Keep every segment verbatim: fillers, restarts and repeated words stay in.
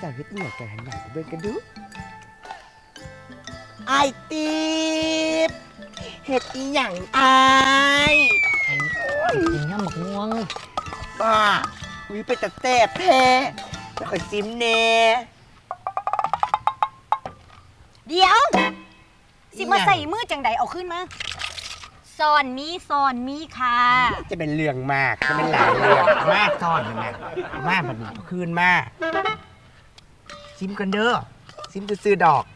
เจ้าเฮ็ดอีหยังกันหันหน้าไปเบิ่งกันดูไอ้ตีบเฮ็ดอีหยังอายกินน้ำหมกม่วงบ้าวิไปแต่แซ่บแท้แล้วค่อยซิมแน่เดี๋ยวสิมาใส่มือจังใดเอาขึ้นมาซ่อนมีซ่อนมีค่ะจะเป็นเรื่องมากจะเป็นหลายเรื่องมากซ่อนนั่นน่ะมาบัดนี้เอาคืนมาซิมกันเด้อซิมซื้อดอก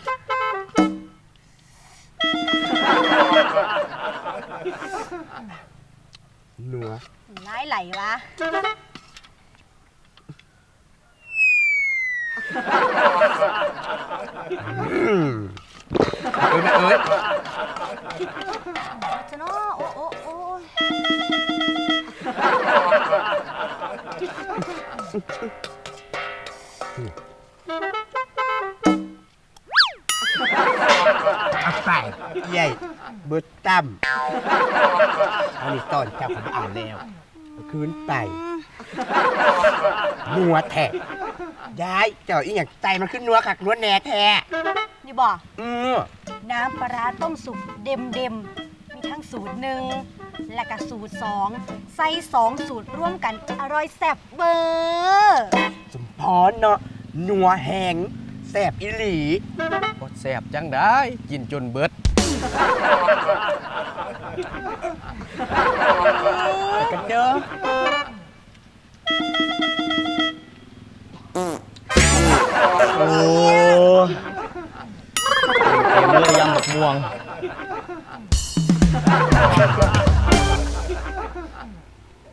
หนัวร้ายไหลวะเอ้ยเอ้ยจะเนาะโอ้โอ้โอ้เอาไปใหญ่เบิดตั้มอันนี้ตอนจับผมอ่านแล้วคืนไปนัวแท้ย้ายเจ้าอีหยังใจมันขึ้นนัวคักนัวแหน่แท้นี่บอกอือน้ำปลาต้มสุกเด็มเด็มมีทั้งสูตรหนึ่งและก็สูตรสองใส่สองสูตรร่วมกันอร่อยแซ่บเบอร์สมพรเนาะนัวแหงแซ่บอีหลีบดแสบจังได้กินจนเบิดกันเด้อโอ้เต็มเลยยำหมกม่วง